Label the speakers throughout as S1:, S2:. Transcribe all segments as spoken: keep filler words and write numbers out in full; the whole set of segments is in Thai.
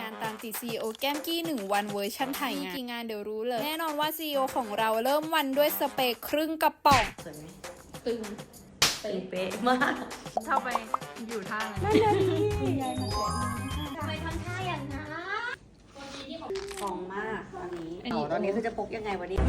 S1: านตามติด ซี อี โอ แก้มกี้หนึ่งวันเวอร์ชั่นไทยงานกี่งานเดี๋ยวรู้เลยแน่นอนว่า ซี อี โอ ของเราเริ่มวันด้วยสเปรย์ครึ่งกระป๋อง
S2: สวยไหม
S1: ตึง
S2: ตึงเป๊ะมาก
S3: เข้าไปอยู่ท่าไหน
S1: นั่นนี่ยายมาแต่
S2: ทำไมทำท่าอย่างนั้นฟองมากตอนนี้
S1: อันนี้
S2: ตอนนี้คือจะปกยังไงวันนี้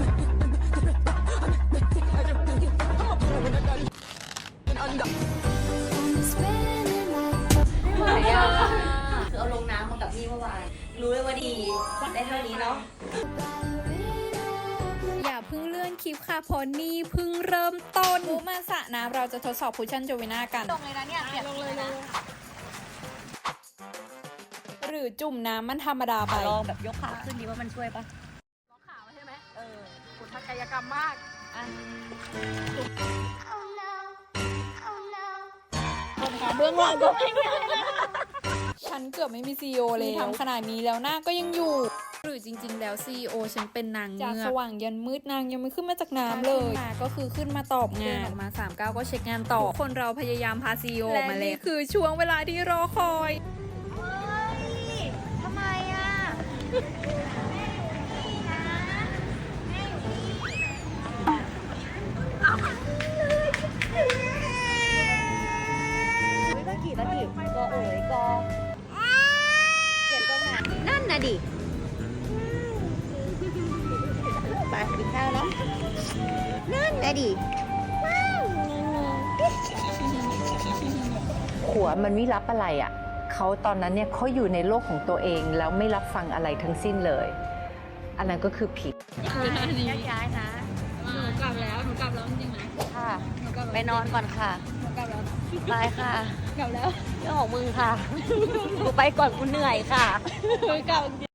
S2: ไม่ไหวอ่ะคือเอาลงน้ำมากับพี่เมื่อวานรู้เลยว่าดีได้เท่านี้เนาะ
S1: อย่าเพิ่งเลื่อนคลิปค่ะเพราะนี่เพิ่งเริ่มต้นมุมาสระน้ำเราจะทดสอบคุชชั่นโจวิน่ากัน
S3: ลงเลยนะเนี่ยเปียกลงเลยนะ
S1: หรือจุ่มน้ำมันธรรมดาไป
S2: ลองแบบยกขาขึ้นดีว่ามันช่วยปะ
S3: ล็อกขาไว้ใช่ไหมเออขุนทักกายกรรมมาก
S2: อ่ะ
S3: เบื้องหลังก็ไม่มี
S1: ฉันเกือบไม่มี ซี อี โอ เลยทำขนาดนี้แล้วหน้าก็ยังอยู่ หรือจริงๆแล้ว ซี อี โอ ฉันเป็นนางจากสว่างยันมืดนางยังไม่ขึ้นมาจากน้ำเลยมาก็คือขึ้นมาตอบงานออกมาสามเก้าก็เช็คงานต่อคนเราพยายามพา ซี อี โอ มาเลยคือช่วงเวลาที่รอคอย
S2: ทำไมอ่ะตะกี้ตะกี้ก็เอ๋ยก็เปลี่ยนตรงไหนนั่นนะดิไปกินข้าวเนาะนั่นนะดิ
S4: หัวมันไม่รับอะไรอะ่ะเขาตอนนั้นเนี่ยเขาอยู่ในโลกของตัวเองแล้วไม่รับฟังอะไรทั้งสิ้นเลย อันนั้นก็คือผิด
S2: ย้ายๆนะ
S3: หนูกลับแล้วหนูกลับแล้วจริงไหม
S2: ค่ะ
S3: หนูกลับ
S2: ไปนอนก่อนค่ะ
S3: หนูกลับแล้ว
S2: บายค่ะ
S3: กลับแล้ว
S2: เรื่องของมึงค่ะ กูไปก่อนกูเหนื่อยค่ะ
S3: หนูกลับ